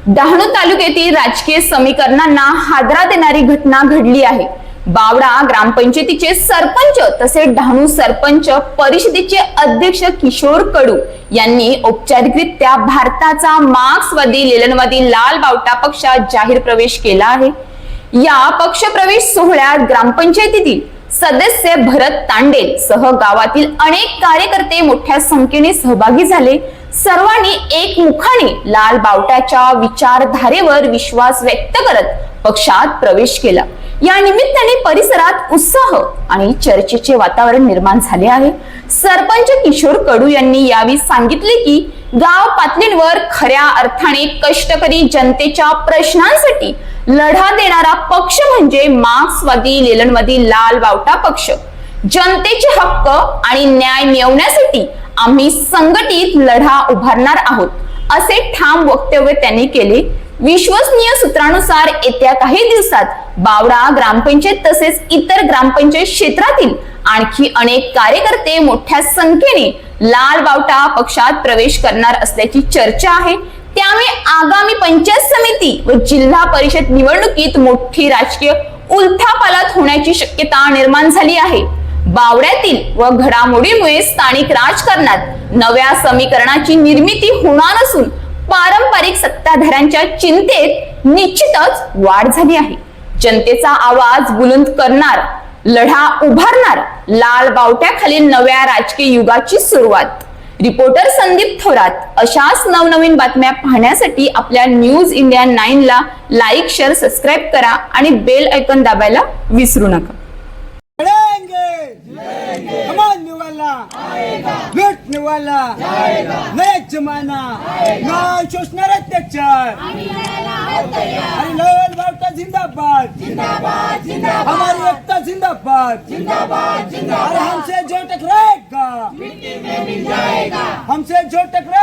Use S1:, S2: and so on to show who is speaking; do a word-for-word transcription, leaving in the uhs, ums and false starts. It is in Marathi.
S1: डहाणू तालुक्यातील राजकीय समीकरणांना हादरा देणारी घटना घडली आहे। बावडा ग्रामपंचायतीचे सरपंच तसेच डहाणू सरपंच परिषदेचे अध्यक्ष किशोर कडू यांनी औपचारिकरित्या भारताचा मार्क्सवादी लेलनवादी लाल बावटा पक्षात जाहीर प्रवेश केला आहे। या पक्ष प्रवेश सोहळ्यात ग्रामपंचायतीतील सदस्य भरत तांडेल सह गावातील अनेक कार्यकर्ते मोठ्या संख्येने सहभागी झाले। सर्वांनी एकमुखाने लाल बावट्याच्या विचारधारेवर विश्वास व्यक्त करत पक्षात प्रवेश केला। या निमित्ताने परिसरात उत्साह आणि चर्चेचे वातावरण निर्माण झाले आहे। सरपंच किशोर कडू यांनी यावेळी सांगितले की गाव पातळीवर खऱ्या अर्थाने कष्टकरी जनतेच्या प्रश्नांसाठी लढा देणारा पक्ष म्हणजे मार्क्सवादी लेलनवादी लाल बावटा पक्ष। जनतेचे हक्क आणि न्याय मिळवण्यासाठी आम्ही संघटित लढा उभारणार आहोत, असे ठाम वक्तव्य त्यांनी केले। विश्वसनीय सूत्रानुसार येत्या काही दिवसात बावडा ग्रामपंचायत तसेच इतर ग्रामपंचायत क्षेत्रातील आणखी अनेक कार्यकर्ते मोठ्या संख्येने लाल बावटा पक्षात प्रवेश करणार असल्याची चर्चा आहे। त्यामुळे आगामी पंचायत समिती व जिल्हा परिषद निवडणुकीत मोठी राजकीय उलथापालथ होण्याची शक्यता निर्माण झाली आहे। बावड्यातील व घडामोडीमुळे स्थानिक राजकारणात नव्या समीकरणाची निर्मिती होणार असून पारंपरिक सत्ताधाऱ्यांच्या चिंतेत निश्चितच वाढ झाली आहे। जनतेचा आवाज बुलंद करणार, लढा उभारणार, लाल बावट्याखालील नव्या राजकीय युगाची सुरुवात। रिपोर्टर संदीप थोरात। अशाच नवनवीन बातम्या पाहण्यासाठी आपल्या न्यूज इंडिया नाईन ला लाईक शेअर सबस्क्राईब करा आणि बेल आयकॉन दाबायला विसरू नका।
S2: लूटने वाला नया जमाना ना शोषणार अत्याचार। अरे लाल बावटा जिंदाबाद जिंदाबाद जिंदाबाद, हमारी एकता जिंदाबाद जिंदाबाद जिंदाबाद। अरे हमसे जो टकराएगा मिट्टी में मिल जाएगा, हमसे जो टकराएगा